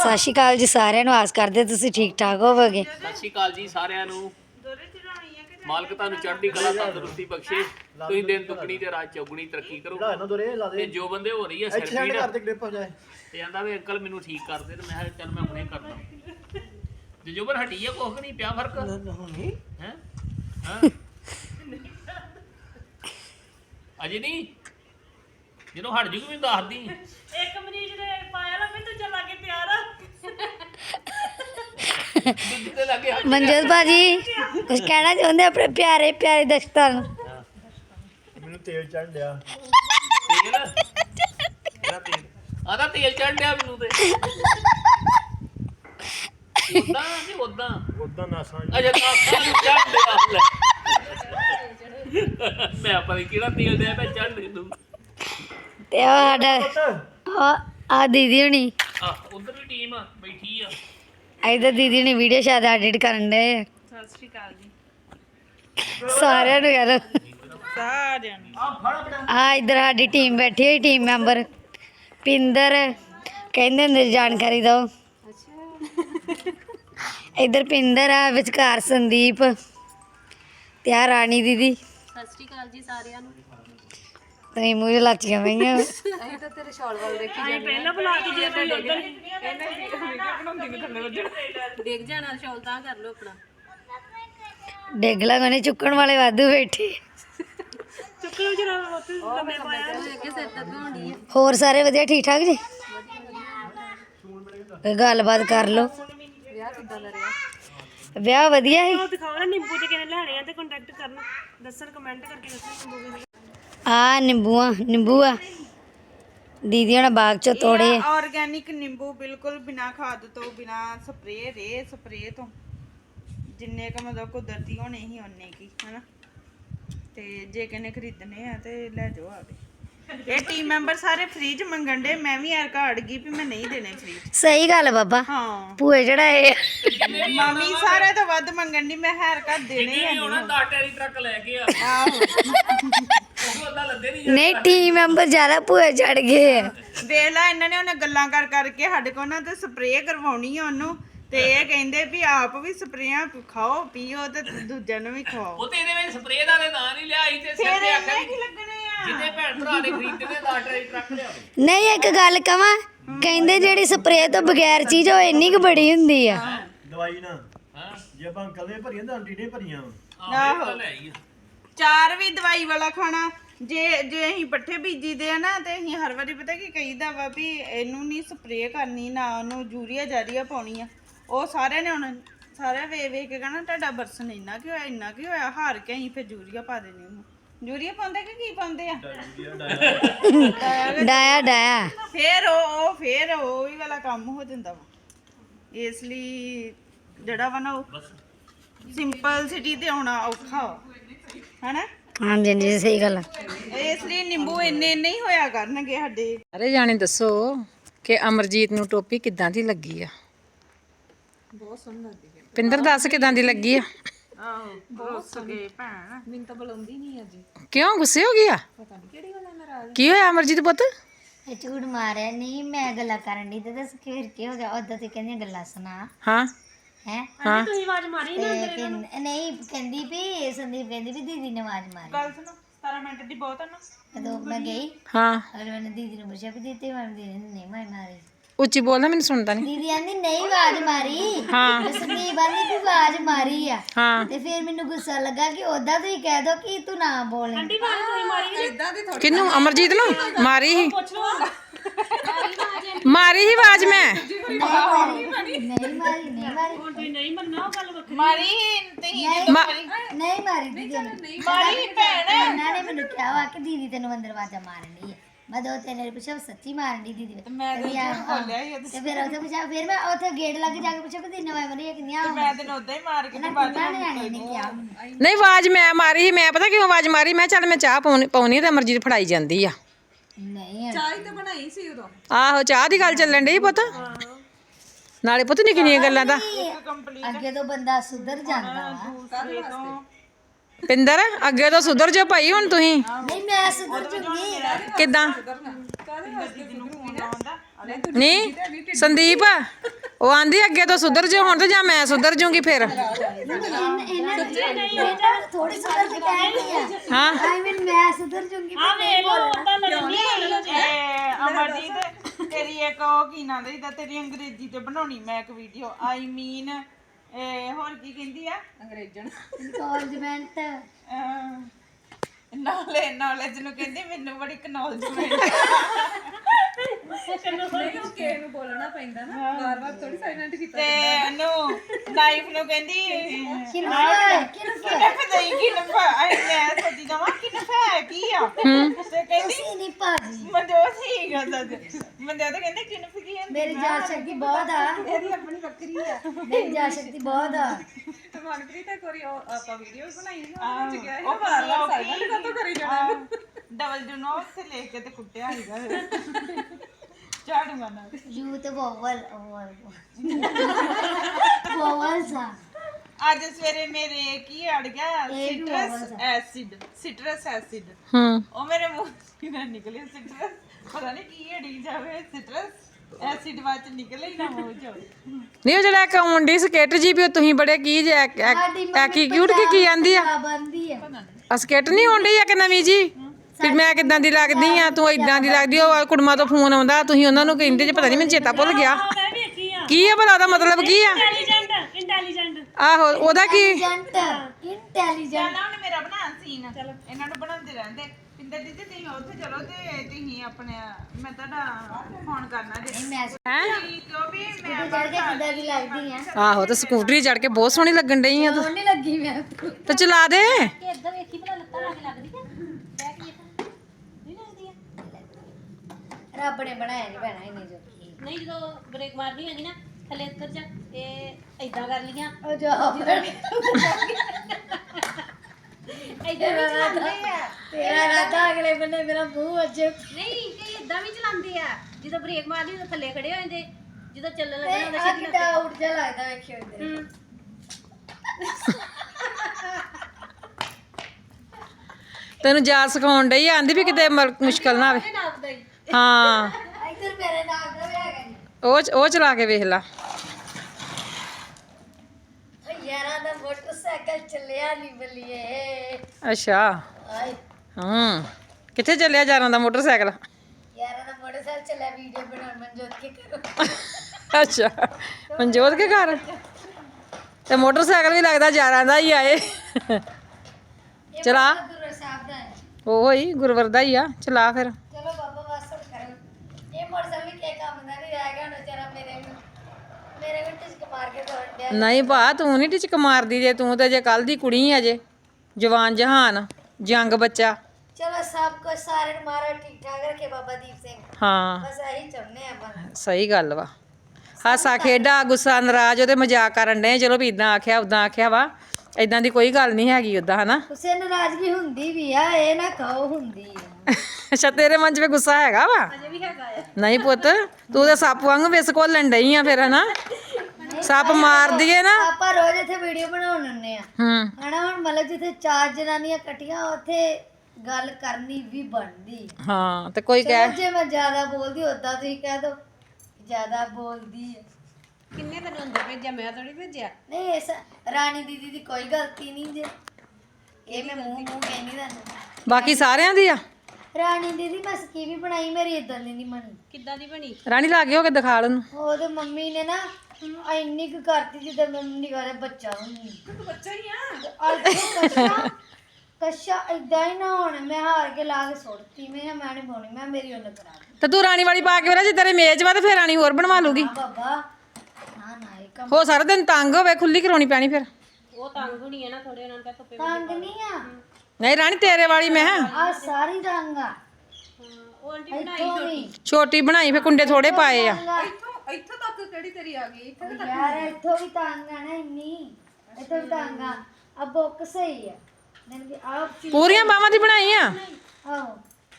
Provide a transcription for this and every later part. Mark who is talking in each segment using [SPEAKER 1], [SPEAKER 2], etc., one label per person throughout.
[SPEAKER 1] ਸਤਿ ਸ਼੍ਰੀ ਅਕਾਲ ਜੀ ਸਾਰਿਆਂ ਨੂੰ। ਆਸ ਕਰਦੇ ਤੁਸੀਂ ਠੀਕ ਠਾਕ ਹੋਵੋਗੇ।
[SPEAKER 2] ਸਤਿ ਸ਼੍ਰੀ ਅਕਾਲ ਜੀ ਸਾਰਿਆਂ ਨੂੰ। ਮਾਲਕ ਤੁਹਾਨੂੰ ਚੜ੍ਹਦੀ ਕਲਾ ਤੰਦਰੁਸਤੀ ਬਖਸ਼ੇ। ਤੁਸੀਂ ਦਿਨ ਦੁੱਗਣੀ ਤੇ ਰਾਤ ਚੌਗਣੀ ਤਰੱਕੀ ਕਰੋ। ਤੇ ਜੋ ਬੰਦੇ ਹੋ ਰਹੀ ਹੈ ਸਿਰ ਪੀੜ ਤੇ ਕਹਿੰਦਾ ਵੀ ਅੰਕਲ ਮੈਨੂੰ ਠੀਕ ਕਰ ਦੇ, ਤੇ ਮੈਂ ਕਿਹਾ ਚੱਲ ਮੈਂ ਹੁਣੇ ਕਰਦਾ। ਜੇ ਜੋਬਰ ਹਟੀ ਆ ਕੁਛ ਨਹੀਂ ਪਿਆ ਫਰਕ ਹੈ ਹਾਂ ਅਜੇ ਨਹੀਂ, ਜਦੋਂ ਹਟ ਜੂਗੀ ਮੈਨੂੰ ਦੱਸ ਦੀ।
[SPEAKER 3] ਇੱਕ ਮਰੀਜ਼ ਨੇ ਪਾਇਆ ਲਾ ਵੀ ਤੂੰ ਚੱਲਾ ਕੇ ਤਿਆਰ ਆ।
[SPEAKER 2] ਦੂਜੇ ਦੇ ਲਾਗੇ
[SPEAKER 1] ਮਨਜੋਤ ਭਾਜੀ ਕੁਝ ਕਹਿਣਾ ਚਾਹੁੰਦੇ ਆਪਣੇ ਪਿਆਰੇ ਪਿਆਰੇ ਦਰਸ਼ਕਾਂ ਨੂੰ?
[SPEAKER 4] ਮੈਨੂੰ ਤੇਲ ਚੜ ਲਿਆ।
[SPEAKER 2] ਤੇਲ ਇਹਦਾ ਤੇਲ ਆਦਾ ਤੇਲ ਚੜ ਲਿਆ ਮੈਨੂੰ ਤੇ ਉਦਾਂ ਨਹੀਂ
[SPEAKER 4] ਉਦਾਂ ਨਾਸਾਂ
[SPEAKER 2] ਅਜੇ ਨਾਸਾਂ ਨੂੰ ਚੜ ਲਿਆ ਲੈ। ਮੈਂ ਪਤਾ ਨੀ ਕਿਹੜਾ ਤੇਲ ਦਿਆ ਮੈਂ ਚੜ ਲੈ ਤੂੰ।
[SPEAKER 1] ਤੇ ਉਹ ਸਾਡਾ ਆ ਦੀਦੀ ਹੁਣੀ
[SPEAKER 2] ਉਧਰ ਵੀ ਟੀਮ ਬੈਠੀ ਆ।
[SPEAKER 1] ਇਧਰ ਦੀਦੀ ਹੁਣੀ ਵੀਡੀਓ ਸ਼ਾਇਦ ਐਡਿਟ ਕਰਨ ਦੇ।
[SPEAKER 3] ਸਤਿ ਸ਼੍ਰੀ ਅਕਾਲ ਜੀ
[SPEAKER 1] ਸਾਰਿਆਂ ਨੂੰ ਯਾਰ
[SPEAKER 3] ਸਾਰਿਆਂ ਨੂੰ।
[SPEAKER 1] ਆ ਇਧਰ ਸਾਡੀ ਟੀਮ ਬੈਠੀ ਹੋਈ, ਟੀਮ ਮੈਂਬਰ ਪਿੰਦਰ ਕਹਿੰਦੇ ਹੁੰਦੇ ਜਾਣਕਾਰੀ ਦਿਓ। ਇਧਰ ਪਿੰਦਰ ਆ, ਵਿਚਕਾਰ ਸੰਦੀਪ ਤੇ ਆ ਰਾਣੀ ਦੀਦੀ।
[SPEAKER 3] ਸਤਿ ਸ਼੍ਰੀ ਅਕਾਲ ਜੀ ਸਾਰਿਆਂ ਨੂੰ।
[SPEAKER 1] ਤੁਸੀਂ ਮੂੰਹ ਲਾਚੀਆਂ ਪਈਆਂ।
[SPEAKER 3] ਅਸੀਂ ਤਾਂ ਤੇਰੇ ਸ਼ਾਲ ਵੱਲ ਦੇਖੀ ਜਾਂਦੇ ਪਹਿਲਾਂ ਬੁਲਾ ਕੇ ਜੇ ਤੇ ਉਧਰ ਬਣਾਉਂਦੀ ਨੂੰ ਥੱਲੇ ਵੱਜਣ ਦੇਖ ਜਾਣਾ। ਸ਼ਾਲ ਤਾਂ ਕਰ ਲਓ ਆਪਣਾ।
[SPEAKER 1] ਡਿੱਗ ਲਾ ਕੋਨੇ, ਚੁੱਕਣ ਵਾਲੇ ਵਾਧੂ ਬੈਠੇ।
[SPEAKER 3] ਚੁੱਕੋ ਜਰਾ ਉੱਥੇ ਲੰਮੇ ਪਾਇਆ ਅੱਗੇ ਸਿਰ ਦਰਦ ਹੋਣੀ ਹੈ।
[SPEAKER 1] ਹੋਰ ਸਾਰੇ ਵਧੀਆ ਠੀਕ ਠਾਕ ਜੀ? ਕੋਈ ਗੱਲਬਾਤ ਕਰ ਲਓ।
[SPEAKER 3] ਵਿਆਹ ਕਿੱਦਾਂ ਦਾ ਰਿਹਾ?
[SPEAKER 1] ਵਿਆਹ ਵਧੀਆ ਸੀ।
[SPEAKER 3] ਉਹ ਦਿਖਾਓ ਨਾ ਨਿੰਬੂ ਜੇ ਕਿਨੇ ਲੈਣੇ ਆ ਤੇ ਕੰਟੈਕਟ ਕਰਨ, ਦੱਸਣ ਕਮੈਂਟ ਕਰਕੇ ਦੱਸਣ ਨਿੰਬੂ ਕਿਨੇ।
[SPEAKER 1] ਆ ਨਿੰਬੂ ਆ ਦੀਦੀ ਹੁਣ ਬਾਗ ਚੋਂ ਤੋੜੇ ਆ।
[SPEAKER 5] ਆਰਗੈਨਿਕ ਨਿੰਬੂ, ਬਿਲਕੁਲ ਬਿਨਾ ਖਾਦ ਤੋਂ, ਬਿਨਾ ਸਪਰੇ ਤੋਂ। ਜਿੰਨੇ ਕ ਮਤਲਬ ਕੁਦਰਤੀ ਹੋਣੇ ਹੀ ਉਹਨੇ ਕੀ ਹਨਾ। ਤੇ ਜੇ ਕਿਨੇ ਖਰੀਦਣੇ ਆ ਤੇ ਲੈ ਜਾਓ ਆ ਕੇ। ਇਹ ਟੀਮ ਮੈਂਬਰ ਸਾਰੇ ਫ੍ਰੀ ਚ ਮੰਗਣ ਦੇ। ਮੈਂ ਵੀ ਯਾਰ ਅੜ ਗਈ ਵੀ ਮੈਂ ਨਹੀਂ ਦੇਣੇ ਫ੍ਰੀ ਚ।
[SPEAKER 1] ਸਹੀ ਗੱਲ ਬਾਬਾ।
[SPEAKER 5] ਹਾਂ
[SPEAKER 1] ਭੂਏ ਜਿਹੜਾ ਇਹ
[SPEAKER 5] ਮਾਮੀ ਸਾਰੇ ਤੋਂ ਵੱਧ ਮੰਗਣ ਦੀ। ਮੈਂ ਹੈਰ ਘਰ ਦੇਣੇ ਹੀ
[SPEAKER 2] ਹੋਣਾ
[SPEAKER 5] ਨਹੀਂ।
[SPEAKER 2] ਟਾਟੇ ਦੀ ਟਰੱਕ ਲੈ ਕੇ ਆ
[SPEAKER 5] ਆਹੋ
[SPEAKER 2] ਉਹ ਅੱਧਾ ਲੱਦੇ ਨਹੀਂ
[SPEAKER 1] ਨਹੀਂ, ਟੀਮ ਮੈਂਬਰ ਜ਼ਿਆਦਾ ਭੂਏ ਚੜ ਗਏ ਆ।
[SPEAKER 5] ਦੇਖ ਲੈ ਇਹਨਾਂ ਨੇ ਉਹਨੇ ਗੱਲਾਂ ਕਰ ਕਰਕੇ ਸਾਡੇ ਕੋਲ ਨਾ ਤੇ ਸਪਰੇਅ ਕਰਵਾਉਣੀ ਆ ਉਹਨੂੰ। ਤੇ ਇਹ ਕਹਿੰਦੇ ਵੀ ਆਪ ਵੀ ਸਪਰੇਆਂ ਖਾਓ ਪੀਓ ਤੇ ਦੂਜਿਆਂ ਨੂੰ ਵੀ ਖਵਾਓ।
[SPEAKER 2] ਉਹ ਤੇ ਇਹਦੇ ਵਿੱਚ ਸਪਰੇਅ ਦਾ ਨਾਂ ਨਹੀਂ ਲਿਆ। ਤੇ ਸਿਰ
[SPEAKER 5] ਫਿਰ
[SPEAKER 2] ਤੇ ਆਖਿਆ
[SPEAKER 5] ਇਹਨੇ ਕੀ
[SPEAKER 2] ਵੀ
[SPEAKER 5] ਲੱਗਣੇ ਆ?
[SPEAKER 2] ਜਿੰਨੇ ਭੈਣ ਭਰਾ ਨੇ ਖਰੀਦਦੇ ਨੇ ਟਾਟੇ ਦੀ ਟਰੱਕ ਲਿਆਵੇ।
[SPEAKER 1] ਨਹੀਂ, ਇੱਕ ਗੱਲ ਕਵਾਂ, ਕਹਿੰਦੇ ਜਿਹੜੀ ਸਪਰੇਅ ਤੋਂ ਬਗੈਰ ਚੀਜ਼ ਉਹ ਇੰਨੀ ਕੁ ਬੜੀ ਹੁੰਦੀ ਆ।
[SPEAKER 4] ਦਵਾਈ ਨਾ
[SPEAKER 2] ਹਾਂ
[SPEAKER 4] ਜੇ ਆਪਾਂ ਕਦੇ ਭਰੀਆਂ ਤਾਂ ਆਂਟੀ ਨੇ ਭਰੀਆਂ
[SPEAKER 2] ਆਹੋ ਲੈ ਆਈ ਆ।
[SPEAKER 5] ਚਾਰ ਵੀ ਦਵਾਈ ਵਾਲਾ ਖਾਣਾ। ਜੇ ਅਸੀਂ ਪੱਠੇ ਬੀਜੀਦੇ ਆ ਨਾ ਤੇ ਅਸੀਂ ਹਰ ਵਾਰੀ ਪਤਾ ਕੀ ਕਹੀਦਾ ਵਾ ਵੀ ਇਹਨੂੰ ਨਹੀਂ ਸਪਰੇਅ ਕਰਨੀ, ਨਾ ਉਹਨੂੰ ਯੂਰੀਆ ਜਾਰੀਆ ਪਾਉਣੀ ਆ। ਉਹ ਸਾਰਿਆਂ ਨੇ ਹੁਣ ਸਾਰੇ ਵੇਖ ਕੇ ਕਹਿਣਾ ਤੁਹਾਡਾ ਬਰਸਨ ਇੰਨਾ ਕੀ ਹੋਇਆ ਹਾਰ ਕੇ ਅਸੀਂ ਫਿਰ ਯੂਰੀਆ ਪਾ ਦੇਣੀ ਉਹਨੂੰ। ਯੂਰੀਆ ਪਾਉਂਦੇ ਕਿ ਕੀ ਪਾਉਂਦੇ ਆ?
[SPEAKER 1] ਡਾਇਆ
[SPEAKER 5] ਫਿਰ ਉਹ ਹੀ ਵਾਲਾ ਕੰਮ ਹੋ ਜਾਂਦਾ ਵਾ। ਇਸ ਲਈ ਜਿਹੜਾ ਵਾ ਨਾ ਉਹ ਸਿੰਪਲ ਸਿਟੀ ਤੇ ਆਉਣਾ ਔਖਾ ਵਾ ਹਨਾ।
[SPEAKER 1] ਹਾਂਜੀ ਹਾਂਜੀ ਸਹੀ ਗੱਲ ਆ।
[SPEAKER 5] ਇਸ ਲਈ ਨਿੰਬੂ ਇੰਨੇ ਨਹੀਂ ਹੋਇਆ ਕਰਨਗੇ ਸਾਡੇ।
[SPEAKER 6] ਸਾਰੇ ਜਾਣੇ ਦੱਸੋ ਕਿ ਅਮਰਜੀਤ ਨੂੰ ਟੋਪੀ ਕਿੱਦਾਂ ਦੀ ਲੱਗੀ ਆ?
[SPEAKER 5] ਬਹੁਤ ਸੋਹਣੀ ਲੱਗਦੀ ਹੈ।
[SPEAKER 6] ਪਿੰਦਰ ਦੱਸ ਕਿੱਦਾਂ ਦੀ ਲੱਗੀ ਆ?
[SPEAKER 5] ਆਹੋ ਬਹੁਤ ਸਕੇ ਭੈਣ।
[SPEAKER 3] ਮੈਨੂੰ ਤਾਂ ਬੁਲਾਉਂਦੀ ਨਹੀਂ ਅੱਜ।
[SPEAKER 6] ਕਿਉਂ ਗੁੱਸੇ ਹੋ ਗਈ ਆ?
[SPEAKER 3] ਪਤਾ ਨਹੀਂ ਕਿਹੜੀ ਗੱਲ ਨਾਰਾਜ਼।
[SPEAKER 6] ਕੀ ਹੋਇਆ ਅਮਰਜੀਤ ਪੁੱਤ?
[SPEAKER 1] ਇਹ ਝੂਠ ਮਾਰਿਆ ਨਹੀਂ, ਮੈਂ ਗੱਲਾਂ ਕਰਨ ਦੀ ਤੇ ਦੱਸ ਫਿਰ ਕੀ ਹੋ ਗਿਆ? ਉਦੋਂ ਤੇ ਕਹਿੰਦੀਆਂ ਗੱਲਾਂ ਸੁਣਾ
[SPEAKER 6] ਹਾਂ
[SPEAKER 1] ਹੈ।
[SPEAKER 6] ਹਾਂ
[SPEAKER 3] ਤੁਸੀਂ ਆਵਾਜ਼ ਮਾਰੀ
[SPEAKER 1] ਨਹੀਂ ਕਹਿੰਦੀ ਵੀ ਸੰਦੀਪ ਕਹਿੰਦੀ ਵੀ ਦੀਦੀ ਨੇ ਆਵਾਜ਼ ਮਾਰੀ।
[SPEAKER 5] ਗੱਲ ਸੁਣੋ 17 ਮਿੰਟ ਦੀ ਬਹੁਤ ਆ ਨਾ।
[SPEAKER 1] ਜਦੋਂ ਮੈਂ ਗਈ
[SPEAKER 6] ਹਾਂ
[SPEAKER 1] ਅਗਲੇ ਨੇ ਦੀਦੀ ਨੂੰ ਪੁੱਛਿਆ ਵੀ ਦੀਦੀ ਮੈਂ ਦੀਦੀ ਨੇ ਨਹੀਂ ਮਾਰੀ।
[SPEAKER 6] ਉੱਚੀ ਬੋਲਦਾ, ਮੈਨੂੰ ਸੁਣਦਾ ਨਹੀਂ।
[SPEAKER 1] ਦੀਦੀ ਆਂਦੀ ਨਹੀਂ ਆਵਾਜ਼ ਮਾਰੀ।
[SPEAKER 6] ਹਾਂ
[SPEAKER 1] ਤੇ ਸੰਦੀਪ ਆਂਦੀ ਵੀ ਆਵਾਜ਼ ਮਾਰੀ ਆ।
[SPEAKER 6] ਹਾਂ
[SPEAKER 1] ਤੇ ਫਿਰ ਮੈਨੂੰ ਗੁੱਸਾ ਲੱਗਾ ਕਿ ਉਦਾਂ ਤੁਸੀਂ ਕਹਿ ਦੋ ਕਿ ਤੂੰ ਨਾ ਬੋਲ।
[SPEAKER 3] ਆਂਟੀ ਆਵਾਜ਼ ਤੁਸੀਂ ਮਾਰੀ ਇਦਾਂ ਦੀ
[SPEAKER 6] ਕਿਹਨੂੰ? ਅਮਰਜੀਤ ਨੂੰ ਮਾਰੀ ਸੀ?
[SPEAKER 3] ਪੁੱਛ ਲਓ।
[SPEAKER 6] ਮਾਰੀ ਸੀ ਆਵਾਜ਼ ਮੈਂ।
[SPEAKER 1] ਨਹੀਂ ਮਾਰੀ ਨਹੀਂ ਮਾਰੀ
[SPEAKER 3] ਹੁਣ ਤੁਸੀਂ ਨਹੀਂ ਮੰਨਣਾ ਉਹ ਗੱਲ ਵੱਖਰੀ।
[SPEAKER 5] ਮਾਰੀ ਤੇ
[SPEAKER 1] ਨਹੀਂ ਮਾਰੀ ਦੀਦੀ ਨੇ।
[SPEAKER 5] ਮਾਰੀ ਭੈਣ।
[SPEAKER 1] ਇਹਨਾਂ ਨੇ ਮੈਨੂੰ ਕਿਹਾ ਵਾ ਕਿ ਦੀਦੀ ਤੈਨੂੰ ਅੰਦਰ ਆਵਾਜ਼ਾਂ ਮਾਰਨੀ ਹੈ। ਮੈਂ ਦੋ ਤਿੰਨ ਵਾਰ ਪੁੱਛਿਆ ਸੱਚੀ ਮਾਰਨ ਦੀ ਦੀਦੀ
[SPEAKER 5] ਮੈਂ ਤਾਂ ਬੋਲਿਆ ਹੀ
[SPEAKER 1] ਤੇ ਫਿਰ ਉੱਥੇ ਪੁੱਛਿਆ, ਫਿਰ ਮੈਂ ਉੱਥੇ ਗੇਟ ਲੱਗ ਜਾ ਕੇ ਪੁੱਛਿਆ ਵੀ ਦੀਦੀ ਨੇ ਮਾਰੀ ਕਿੰਨੀਆਂ
[SPEAKER 5] ਮੈਂ ਤੈਨੂੰ ਉਦਾਂ ਹੀ ਮਾਰ ਕੇ
[SPEAKER 1] ਬਾਅਦ ਨਿਆਣੇ ਨੇ ਕਿਹਾ
[SPEAKER 6] ਨਹੀਂ ਆਵਾਜ਼ ਮੈਂ ਮਾਰੀ ਸੀ। ਮੈਂ ਪਤਾ ਕਿਉਂ ਆਵਾਜ਼ ਮਾਰੀ? ਮੈਂ ਚੱਲ ਮੈਂ ਚਾਹ ਪਾਉਣੀ ਤੇ ਅਮਰਜੀਤ ਫੜਾਈ ਜਾਂਦੀ ਆ।
[SPEAKER 1] ਨਹੀਂ
[SPEAKER 6] ਆਹੋ ਚਾਹ ਦੀ ਗੱਲ ਚੱਲਣ ਡਈ ਪੁੱਤ। ਨਾਲੇ ਪੁੱਤ ਨੀ ਕਿੰਨੀਆਂ ਗੱਲਾਂ ਦਾ।
[SPEAKER 1] ਅੱਗੇ ਤੋਂ ਬੰਦਾ ਸੁਧਰ ਜਾਂਦਾ ਵਾ।
[SPEAKER 6] ਪਿੰਦਰ ਅੱਗੇ ਤੋਂ ਸੁਧਰ ਜਾਓ ਭਾਈ ਹੁਣ ਤੁਸੀਂ।
[SPEAKER 1] ਨਹੀਂ ਮੈਂ ਸੁਧਰ ਜੂਗੀ।
[SPEAKER 6] ਕਿੱਦਾਂ? ਨਹੀਂ ਸੰਦੀਪ ਉਹ ਆਂਦੀ ਅੱਗੇ ਤੋਂ ਸੁਧਰ ਜਾ ਹੁਣ ਤੇ ਜਾਂ ਮੈਂ ਸੁਧਰ ਜੂਗੀ ਫਿਰ
[SPEAKER 1] ਥੋੜੀ ਸੁਧਰ ਕੇ ਕਹਿਣੀ ਆ
[SPEAKER 6] ਹਾਂ
[SPEAKER 1] ਆਈ ਮੀਨ ਮੈਂ ਸੁਧਰ ਜੂੰਗੀ
[SPEAKER 3] ਆ ਵੇਖ ਲੋ ਉਦਾਂ ਲੱਗਣੀ
[SPEAKER 5] ਅਮਰਜੀਤ ਤੇਰੀ ਇੱਕ ਉਹ ਕੀ ਨਾਂ ਦਾ ਤੇਰੀ ਅੰਗਰੇਜ਼ੀ ਤੇ ਬਣਾਉਣੀ ਮੈਂ ਇੱਕ ਵੀਡੀਓ ਆਈ ਮੀਨ ਹੋਰ ਕੀ ਕਹਿੰਦੀ ਆ
[SPEAKER 1] ਇਨਕੋਲਜਮੈਂਟ
[SPEAKER 5] ਨੌਲੇਜ ਨੂੰ ਕਹਿੰਦੀ ਮੈਨੂੰ ਬੜੀ ਕਨੌਲਜਮੈਂਟ
[SPEAKER 3] ਨੂੰ ਬੋਲਣਾ ਪੈਂਦਾ ਨਾ ਵਾਰ-ਵਾਰ ਥੋੜੀ ਸਾਇਲੈਂਟ ਕੀਤਾ
[SPEAKER 5] ਤੇ ਇਹਨੂੰ ਲਾਈਫ ਨੂੰ ਕਹਿੰਦੀ
[SPEAKER 1] ਕਿਨੂੰ
[SPEAKER 5] ਮੈਂ ਸੋਚੀ ਜਾਵਾਂ ਕਿ ਨਫਾ ਕੀ ਆ ਤੇ ਕਹਿੰਦੀ
[SPEAKER 1] ਤੁਸੀਂ ਨਹੀਂ ਭਾਜੀ
[SPEAKER 5] ਮਨਜੋਤ ਹੀ ਗੱਲ ਮਨਜੋਤ ਕਹਿੰਦੇ ਕਿ ਨਫ ਕੀ ਆ
[SPEAKER 1] ਮੇਰੀ ਯਾਦ ਸ਼ਕਤੀ ਬਹੁਤ ਆ
[SPEAKER 5] ਇਹਦੀ ਆਪਣੀ ਬੱਕਰੀ ਆ
[SPEAKER 1] ਮੇਰੀ ਯਾਦ ਸ਼ਕਤੀ ਬਹੁਤ ਆ
[SPEAKER 3] ਮਨਪ੍ਰੀਤ ਇੱਕ ਵਾਰੀ ਆਪਾਂ ਵੀਡੀਓ ਬਣਾਈ ਨਾ ਉਹਦੇ ਚ ਗਿਆ ਸੀ ਵਾਰ-ਵਾਰ ਸਾਇਲੈਂਟ ਕਾਤੋਂ ਕਰੀ ਜਾਣਾ
[SPEAKER 5] ਡਬਲ ਜੁਨੋ ਉੱਥੇ ਲੈ ਕੇ ਤੇ ਕੁੱਟਿਆ ਸੀਗਾ ਝਾੜੂ ਮਾਰਨਾ
[SPEAKER 1] ਯੂਥ ਵੋਵਲ ਵੋਵਲ ਸਾ
[SPEAKER 5] ਅੱਜ ਸਵੇਰੇ ਮੇਰੇ ਕੀ ਅੜ ਗਿਆ ਸਿਟਰਸ ਐਸਿਡ
[SPEAKER 6] ਹੂੰ
[SPEAKER 5] ਉਹ ਮੇਰੇ ਮੂੰਹ ਤੋਂ ਨਾ ਨਿਕਲੇ ਸਿਟਰਸ ਪਤਾ ਨਹੀਂ ਕੀ ਅੜੀ ਜਾਵੇ ਸਿਟਰਸ ਐਸਿਡ ਬਾਅਦ ਚ ਨਿਕਲੇ ਹੀ ਨਾ ਮੂੰਹ ਚੋਂ
[SPEAKER 6] ਨਹੀਂ ਉਹ ਜਿਹੜਾ ਅਕਾਊਂਟ ਦੀ ਸਕੇਟ ਜੀ ਵੀ ਤੁਸੀਂ ਬੜੇ ਕੀ ਜੇ ਐਟੀਟਿਊਡ ਕੀ ਆਂਦੀ ਆ
[SPEAKER 1] ਬੰਦੀ ਆ
[SPEAKER 6] ਸਕੇਟ ਨਹੀਂ ਹੁੰਦੀ ਆ ਕਿ ਨਵੀਂ ਜੀ ਫਿਰ ਮੈਂ ਕਿਦਾਂ ਦੀ ਲੱਗਦੀ ਆ ਤੂੰ ਇਦਾਂ ਦੀ ਲੱਗਦੀ ਉਹ ਕੁੜਮਾ ਤੋਂ ਫੋਨ ਆਉਂਦਾ ਤੁਸੀਂ ਉਹਨਾਂ ਨੂੰ ਕਹਿੰਦੇ ਜੇ ਪਤਾ ਨਹੀਂ ਮੈਨੂੰ ਚੇਤਾ ਭੁੱਲ ਗਿਆ
[SPEAKER 3] ਮੈਂ ਵੇਖੀ ਆ
[SPEAKER 6] ਕੀ ਆ ਭਲਾ ਉਹਦਾ ਮਤਲਬ ਕੀ ਆ
[SPEAKER 3] ਇੰਟੈਲੀਜੈਂਟ
[SPEAKER 6] ਆਹੋ ਉਹਦਾ ਕੀ
[SPEAKER 1] ਇੰਟੈਲੀਜੈਂਟ
[SPEAKER 5] ਚੱਲ ਹੁਣ ਮੇਰਾ ਬਣਾ ਸੀਨ ਇਹਨਾਂ ਨੂੰ ਬਣਾਉਂਦੇ ਰਹਿੰਦੇ ਪਿੰਦਰ ਦੀਦੀ ਤੁਸੀਂ ਉੱਥੇ ਚਲੋ ਤੇ ਤੁਸੀਂ ਆਪਣੇ ਮੈਂ ਤੁਹਾਡਾ ਫੋਨ ਕਰਨਾ ਜੇ
[SPEAKER 1] ਮੈਂ
[SPEAKER 5] ਕਿਉਂ ਵੀ ਮੈਂ
[SPEAKER 1] ਚੜ ਕੇ ਕਿੱਦਾਂ ਦੀ ਲੱਗਦੀ ਆ
[SPEAKER 6] ਆਹੋ ਤੇ ਸਕੂਟਰੀ ਚੜ ਕੇ ਬਹੁਤ ਸੋਹਣੀ ਲੱਗਣ ਡਈ ਆ ਤੂੰ
[SPEAKER 1] ਸੋਹਣੀ ਲੱਗੀ ਮੈਂ
[SPEAKER 6] ਤੇ ਚਲਾ ਦੇ
[SPEAKER 3] ਕਿ ਇਦਾਂ ਵੇਖੀ ਭਲਾ ਲੱਤਾਂ ਲਾ ਕੇ ਲੱਗਦੀ ਆ ਬੈਠ ਕੇ ਨਹੀਂ ਲੱਗਦੀ ਆ
[SPEAKER 1] ਰੱਬ ਨੇ ਬਣਾਇਆ ਨਹੀਂ ਭੈਣਾ ਇਹਨੇ ਜੋ
[SPEAKER 3] ਨਹੀਂ ਜਦੋਂ ਬ੍ਰੇਕ ਮਾਰਨੀ ਹੈਗੀ ਨਾ ਥੱਲੇ ਉੱਤਰ ਜਾ ਇਹ ਇਦਾਂ ਕਰ ਲੀਆਂ
[SPEAKER 1] ਉਹ ਜੋ
[SPEAKER 3] ਇਦਾਂ ਵੀ ਚਲਾਉਂਦੇ ਆ
[SPEAKER 1] ਤੇਰਾ ਰਾਤਾ ਅਗਲੇ ਬੰਨੇ ਮੇਰਾ ਮੂੰਹ ਅੱਜੇ
[SPEAKER 3] ਨਹੀਂ ਕਈ ਇਦਾਂ ਵੀ ਚਲਾਉਂਦੇ ਆ ਜਦੋਂ ਬ੍ਰੇਕ ਮਾਰਦੀ ਤਾਂ ਥੱਲੇ ਖੜੇ ਹੋ ਜਾਂਦੇ ਜਦੋਂ ਚੱਲਣ ਲੱਗਣਾ ਹੁੰਦਾ
[SPEAKER 1] ਆ ਕਿੱਦਾਂ ਉੱਡ ਜਾ ਲੱਗਦਾ ਵੇਖਿਓ ਇੱਧਰ
[SPEAKER 6] ਤੈਨੂੰ ਜਾ ਸਿਖਾਉਣ ਡਈ ਆਂਦੀ ਵੀ ਕਿਤੇ ਮੁਸ਼ਕਲ ਨਾ ਆਵੇ
[SPEAKER 3] ਨਾਪਦਾ ਹੀ
[SPEAKER 6] ਹਾਂ
[SPEAKER 1] ਇੱਧਰ ਮੇਰੇ ਨਾਲ ਦਾ ਵੀ ਹੈਗਾ ਜੀ
[SPEAKER 6] ਉਹ ਚਲਾ ਕੇ ਵੇਖ ਲਾ
[SPEAKER 1] ਯਾਰਾਂ ਦਾ ਮੋਟਰਸਾਈਕਲ ਚੱਲਿਆ ਨਹੀਂ ਬੱਲੀਏ
[SPEAKER 6] ਅੱਛਾ
[SPEAKER 1] ਆਏ
[SPEAKER 6] ਕਿੱਥੇ ਚੱਲਿਆ ਜਾਰਾਂ ਦਾ ਮੋਟਰਸਾਈਕਲ
[SPEAKER 1] ਯਾਰਾਂ ਦਾ ਮੋਟਰਸਾਈਕਲ ਚੱਲਿਆ ਵੀਡੀਓ ਬਣਾਉਣ ਮਨਜੋਤ ਕੇ ਕਰੋ
[SPEAKER 6] ਅੱਛਾ ਮਨਜੋਤ ਕੇ ਘਰ ਤੇ ਮੋਟਰਸਾਈਕਲ ਵੀ ਲੱਗਦਾ ਜਾਰਾਂ ਦਾ ਹੀ ਆਏ ਚਲਾ
[SPEAKER 1] ਗੁਰੂ ਸਾਹਿਬ ਦਾ ਹੈ
[SPEAKER 6] ਉਹ ਹੀ ਗੁਰਵਰ ਦਾ ਹੀ ਆ ਚਲਾ ਫਿਰ
[SPEAKER 1] ਚਲੋ ਬਾਬਾ ਵਾਸਲ ਕਰੋ ਇਹ ਮੋਟਰਸਾਈਕਲ ਵੀ ਕੀ ਕੰਮ ਦਾ ਨਹੀਂ ਰਹਿ ਗਿਆ ਹੁਣ ਵਿਚਾਰਾ ਮੇਰੇ ਵੀ ਟਿਚਕ ਮਾਰ ਕੇ ਤੋੜ ਡਿਆ
[SPEAKER 6] ਨਹੀਂ ਭਾ ਤੂੰ ਨਹੀਂ ਟਿਚਕ ਮਾਰਦੀ ਜੇ ਤੂੰ ਤੇ ਜੇ ਕੱਲ ਦੀ ਕੁੜੀ ਆ ਜੇ ਜਵਾਨ ਜਹਾਨ ਜੰਗ ਬੱਚਾ
[SPEAKER 1] ਚਲੋ ਸਭ ਕੁਝ ਸਾਰੇ ਨੂੰ ਮਾਰਾ ਠੀਕ ਠਾਕ ਰੱਖੇ ਬਾਬਾ ਦੀਪ ਸਿੰਘ
[SPEAKER 6] ਹਾਂ
[SPEAKER 1] ਬਸ ਇਹੀ ਚਾਹੁੰਦੇ ਆਪਾਂ
[SPEAKER 6] ਸਹੀ ਗੱਲ ਵਾ ਹਾਸਾ ਖੇਡਾ ਗੁੱਸਾ ਨਾਰਾਜ਼ ਉਹਦੇ ਮਜ਼ਾਕ ਕਰਨ ਡਏ ਚਲੋ ਵੀ ਇਦਾਂ ਆਖਿਆ ਉਦਾਂ ਆਖਿਆ ਵਾ ਇਦਾਂ ਦੀ ਕੋਈ ਗੱਲ ਨਹੀਂ ਹੈਗੀ ਉਦਾਂ ਹਨਾ
[SPEAKER 1] ਉਸੇ ਨਾਰਾਜ਼ਗੀ ਹੁੰਦੀ ਵੀ ਆ ਇਹ ਨਾ ਕਹੋ ਹੁੰਦੀ ਆ
[SPEAKER 6] ਅੱਛਾ ਤੇਰੇ ਮਨ 'ਚ ਵੀ ਗੁੱਸਾ ਹੈਗਾ ਵਾ
[SPEAKER 3] ਅਜੇ ਵੀ ਹੈਗਾ ਆ
[SPEAKER 6] ਨਹੀਂ ਪੁੱਤ ਤੂੰ ਤਾਂ ਸੱਪ ਵਾਂਗ ਵਿਸ ਘੋਲਣ ਡਈ ਆ ਫਿਰ ਹਨਾ ਸੱਪ ਮਾਰ ਦਈਏ ਨਾ
[SPEAKER 1] ਆਪਾਂ ਰੋਜ਼ ਇੱਥੇ ਵੀਡੀਓ ਬਣਾਉਣ ਹੁੰਨੇ ਆ
[SPEAKER 6] ਹੂੰ
[SPEAKER 1] ਹਨਾ ਹੁਣ ਮਤਲਬ ਜਿੱਥੇ ਚਾਰ ਜਨਾਨੀਆਂ ਇਕੱਠੀਆਂ ਉੱਥੇ ਗੱਲ ਕਰਨੀ ਵੀ ਬਣਦੀ
[SPEAKER 6] ਹਾਂ ਤੇ ਕੋਈ
[SPEAKER 1] ਚਲੋ
[SPEAKER 6] ਕਹਿ
[SPEAKER 1] ਜੇ ਮੈਂ ਜ਼ਿਆਦਾ ਬੋਲਦੀ ਉਦਾਂ ਤੁਸੀਂ ਕਹਿ ਦੋ ਜ਼ਿਆਦਾ ਬੋਲਦੀ ਹੈ
[SPEAKER 3] ਕਿੰਨੇ ਤੈਨੂੰ ਅੰਦਰ ਭੇਜਿਆ ਮੈਂ ਥੋੜੀ ਭੇਜਿਆ
[SPEAKER 1] ਨਹੀਂ ਇਸ ਰਾਣੀ ਦੀਦੀ ਦੀ ਕੋਈ ਗਲਤੀ ਨਹੀਂ ਜੇ ਇਹ ਮੈਂ ਮੂੰਹ ਕਹਿੰਦੀ ਤੁਹਾਨੂੰ
[SPEAKER 6] ਬਾਕੀ ਸਾਰਿਆਂ ਦੀ ਆ
[SPEAKER 1] ਰਾਣੀ ਦੀਦੀ ਮੈਂ ਸਕੀ ਵੀ ਬਣਾਈ ਮੇਰੀ ਇਦਾਂ ਦੀ ਨਹੀਂ ਬਣੀ
[SPEAKER 3] ਕਿੱਦਾਂ ਦੀ ਬਣੀ
[SPEAKER 6] ਰਾਣੀ ਲਾਗੇ ਹੋ ਕੇ ਦਿਖਾ ਉਹਨੂੰ
[SPEAKER 1] ਉਹਦੇ ਮੰਮੀ ਨੇ ਨਾ ਇੰਨੀ ਕੁ ਕਰਤੀ ਜਿੱਦਾਂ ਮੰਮੀ ਕਰੇ ਬੱਚਾ ਹੁੰਦੀ
[SPEAKER 3] ਤੂੰ ਬੱਚਾ ਹੀ ਆ
[SPEAKER 1] ਕੱਸ਼ਾ ਇਦਾਂ ਹੀ ਨਾ ਹੋਣ ਮੈਂ ਹਾਰ ਕੇ ਲਾ ਕੇ ਸੁੱਟਤੀ ਮੈਂ ਕਿਹਾ ਮੈਂ ਨਹੀਂ ਪਾਉਣੀ ਮੈਂ ਮੇਰੀ ਉਹਨੇ ਕਰਾ ਦਿੱਤੀ
[SPEAKER 6] ਤੇ ਤੂੰ ਰਾਣੀ ਵਾਲੀ ਪਾ ਕੇ ਵੇਲਾ ਜੇ ਤੇਰੇ ਮੇਜ਼ ਵਾ ਤੇ ਫਿਰ ਰਾਣੀ ਹੋਰ ਬਣਵਾ ਲੂਗੀ
[SPEAKER 1] ਬਾਬਾ ਨਾ ਨਾ ਇਹ ਕੰਮ
[SPEAKER 6] ਹੋ ਸਾਰਾ ਦਿਨ ਤੰਗ ਹੋਵੇ ਖੁੱਲੀ ਕਰਾਉਣੀ ਪੈਣੀ ਫਿਰ
[SPEAKER 3] ਉਹ ਤੰਗ ਹੋਣੀ ਹੈ ਨਾ ਥੋੜੇ ਉਹਨਾਂ ਨੂੰ ਕਹਿ ਧੁੱਪੇ
[SPEAKER 1] ਤੰਗ ਨਹੀਂ ਆ
[SPEAKER 6] ਨਹੀਂ ਰਾਣੀ ਤੇਰੇ ਵਾਲੀ ਮੈਂ
[SPEAKER 1] ਆ ਸਾਰੀ ਤੰਗ ਆ
[SPEAKER 3] ਉਹ ਆਂਟੀ
[SPEAKER 1] ਇੱਥੋਂ ਵੀ
[SPEAKER 6] ਛੋਟੀ ਬਣਾਈ ਫੇ ਕੁੰਡੇ ਥੋੜੇ ਪਾਏ ਆ
[SPEAKER 3] ਇੱਥੋਂ ਤੱਕ ਕਿਹੜੀ ਤੇਰੀ ਆ ਗਈ
[SPEAKER 1] ਯਾਰ ਇੱਥੋਂ ਵੀ ਤੰਗ ਆ ਨਾ ਇੰਨੀ ਇੱਥੋਂ ਵੀ ਤੰਗ ਆ ਆ ਬੁੱਕ ਸਹੀ ਆ ਮੈਨੂੰ ਕਿ ਆਪ ਚੀਜ਼
[SPEAKER 6] ਪੂਰੀਆਂ ਬਾਹਾਂ ਦੀ ਬਣਾਈ ਆ
[SPEAKER 1] ਆਹੋ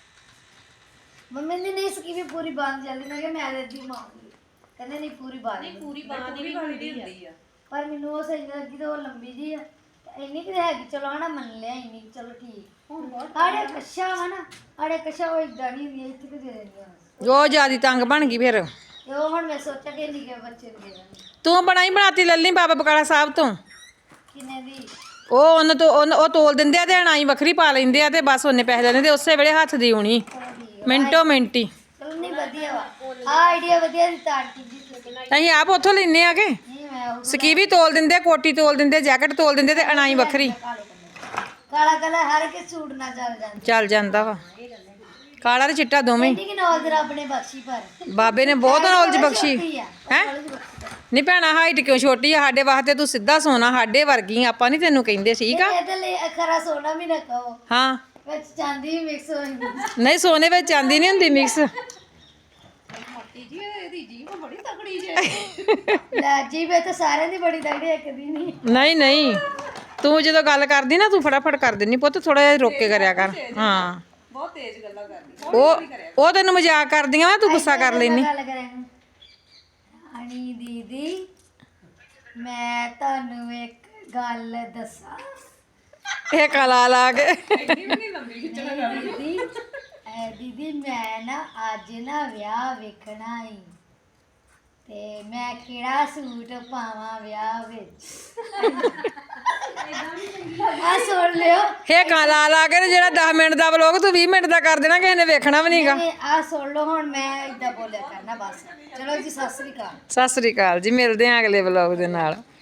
[SPEAKER 1] ਮੰਮੀ ਨੇ ਨਹੀਂ ਸਕੀ ਵੀ ਪੂਰੀ ਬਾਂਹ ਜਲਦੀ ਮੈਂ ਕਿਹਾ ਮੈਂ ਦੇ ਦੀ ਮਾਂਗੀ ਕਹਿੰਦੇ ਨਹੀਂ ਪੂਰੀ ਬਾਂਹ ਨਹੀਂ
[SPEAKER 3] ਪੂਰੀ ਬਾਂਹ ਦੀ ਵੀ ਹੁੰਦੀ ਆ
[SPEAKER 1] ਪਰ ਮੈਨੂੰ ਉਹ ਸਹੀ ਨਹੀਂ ਲੱਗੀ ਤੇ ਉਹ ਲੰਬੀ ਜੀ ਆ ਤੇ ਇੰਨੀ ਕਿ ਹੈਗੀ ਚਲੋ ਹਨਾ ਮੰਨ ਲਿਆ ਇੰਨੀ ਕੁ, ਚਲੋ ਠੀਕ ਆੜੇ ਕੱਛਾ ਵਾ ਨਾ ਆੜੇ ਕੱਛਾ ਉਹ ਇਦਾਂ ਨਹੀਂ ਹੁੰਦੀ ਇੱਥੇ ਕਿ ਦੇ ਦਿੰਦੀ ਆ
[SPEAKER 6] ਉਹ ਜਿਆਦੀ ਤੰਗ ਬਣ ਗਈ ਫਿਰ
[SPEAKER 1] ਤੇ ਉਹ ਹੁਣ ਮੈਂ ਸੋਚਿਆ ਕਿ ਨਿੱਕੇ ਬੱਚੇ ਨੂੰ ਦੇ ਦਾਂਗੀ।
[SPEAKER 6] ਤੂੰ ਬਣਾਤੀ ਲੱਲੀ ਬਾਬਾ ਬਕਾਲਾ ਸਾਹਿਬ ਤੋਂ
[SPEAKER 1] ਕਿੰਨੇ ਦੀ?
[SPEAKER 6] ਉਹ ਤੋਲ ਦਿੰਦੇ ਆ ਤੇ ਅਣਾਈ ਵੱਖਰੀ ਪਾ ਲੈਂਦੇ ਆ ਤੇ ਬਸ ਉਹਨੇ ਪੈਸੇ ਲੈਣੇ ਤੇ ਉਸੇ ਵੇਲੇ ਹੱਥ ਦੀ ਹੋਣੀ ਮਿੰਟੋ ਮਿੰਟੀ।
[SPEAKER 1] ਚਲੋ ਨਹੀਂ ਵਧੀਆ ਵਾ ਆ ਆਈਡੀਆ ਵਧੀਆ ਦਿੱਤਾ ਆਂਟੀ ਜੀ ਤੁਸੀਂ।
[SPEAKER 6] ਅਸੀਂ ਆਪ ਉੱਥੋਂ ਲੈਨੇ ਆ ਕੇ
[SPEAKER 1] ਨਹੀਂ ਮੈਂ ਉਹ
[SPEAKER 6] ਸਕੀਵੀ ਤੋਲ ਦਿੰਦੇ, ਕੋਟੀ ਤੋਲ ਦਿੰਦੇ, ਜੈਕਟ ਤੋਲ ਦਿੰਦੇ ਤੇ ਅਣਾਈ ਵੱਖਰੀ
[SPEAKER 1] ਕਾਲਾ ਕਲਰ ਹਰ ਇੱਕ ਸੂਟ ਨਾਲ ਚੱਲ ਜਾਂਦਾ।
[SPEAKER 6] ਚੱਲ ਜਾਂਦਾ ਵਾ ਕਾਲਾ ਤੇ ਚਿੱਟਾ ਦੋਵੇਂ।
[SPEAKER 1] ਇੰਨੀ ਕਿ ਨੌਲੇਜ ਰੱਬ ਨੇ ਬਖਸ਼ੀ ਪਰ
[SPEAKER 6] ਬਾਬੇ ਨੇ ਬਹੁਤ ਨੌਲੇਜ ਬਖਸ਼ੀ
[SPEAKER 1] ਹੈ
[SPEAKER 6] ਹੈ। ਨਹੀਂ ਭੈਣਾ ਹਾਈਟ ਕਿਉਂ ਛੋਟੀ ਆ ਸਾਡੇ ਵਾਸਤੇ, ਤੂੰ ਸਿੱਧਾ ਸੋਨਾ ਸਾਡੇ ਵਰਗੀ, ਆਪਾਂ ਨਹੀਂ ਤੈਨੂੰ ਕਹਿੰਦੇ ਠੀਕ ਆ।
[SPEAKER 1] ਇਹਦੇ ਲਈ ਅਖਰਾ ਸੋਨਾ ਵੀ ਨਾ ਕਹੋ,
[SPEAKER 6] ਹਾਂ
[SPEAKER 1] ਵਿੱਚ ਚਾਂਦੀ ਵੀ ਮਿਕਸ ਹੋ ਜਾਂਦੀ।
[SPEAKER 6] ਨਹੀਂ ਸੋਨੇ ਵਿੱਚ ਚਾਂਦੀ ਨਹੀਂ ਹੁੰਦੀ ਮਿਕਸ।
[SPEAKER 1] ਲੈ ਜੀ ਵੇ ਤਾਂ ਸਾਰਿਆਂ ਦੀ ਬੜੀ ਤਗੜੀ ਇੱਕ ਦੀ ਨਹੀਂ।
[SPEAKER 6] ਨਹੀਂ ਨਹੀਂ ਤੂੰ ਜਦੋਂ ਗੱਲ ਕਰਦੀ ਨਾ ਤੂੰ ਫਟਾਫਟ ਕਰ ਦਿੰਦੀ ਪੁੱਤ, ਥੋੜਾ ਜਿਹਾ ਰੋਕ ਕੇ ਕਰਿਆ ਕਰ। ਹਾਂ
[SPEAKER 3] ਬਹੁਤ ਤੇਜ਼ ਗੱਲਾਂ ਕਰਦੀ
[SPEAKER 6] ਉਹ ਤੈਨੂੰ ਮਜ਼ਾਕ ਕਰਦੀਆਂ ਵਾ, ਤੂੰ ਗੁੱਸਾ ਕਰ ਲੈਨੀ।
[SPEAKER 1] ਗੱਲ ਕਰਾਂ ਅਣੀ ਦੀਦੀ ਮੈਂ ਤੁਹਾਨੂੰ ਇੱਕ ਗੱਲ ਦੱਸਾਂ।
[SPEAKER 6] ਇਹ ਕਲਾ ਲਾ ਕੇ
[SPEAKER 1] ਦੀਦੀ ਮੈਂ ਨਾ ਅੱਜ ਨਾ ਵਿਆਹ ਵੇਖਣਾ ਈ ਤੇ ਮੈਂ ਕਿਹੜਾ ਸੂਟ ਪਾਵਾਂ ਵਿਆਹ ਵਿੱਚ। ਆ ਸੁਣ ਲਿਓ
[SPEAKER 6] ਇਹ ਕਲਾ ਲਾ ਕੇ ਤੇ ਜਿਹੜਾ 10 ਮਿੰਟ ਦਾ ਵਲੋਗ ਤੂੰ 20 ਮਿੰਟ ਦਾ ਕਰ ਦੇਣਾ, ਕਿਸੇ ਨੇ ਵੇਖਣਾ ਵੀ ਨਹੀਂਗਾ।
[SPEAKER 1] ਆ ਸੁਣ ਲਓ ਹੁਣ ਮੈਂ ਇਦਾਂ ਬੋਲਿਆ ਕਰਨਾ ਬਸ। ਚਲੋ ਜੀ ਸਤਿ ਸ੍ਰੀ ਅਕਾਲ।
[SPEAKER 6] ਸਤਿ ਸ੍ਰੀ ਅਕਾਲ ਜੀ, ਮਿਲਦੇ ਆਂ ਅਗਲੇ ਵਲੋਗ ਦੇ ਨਾਲ।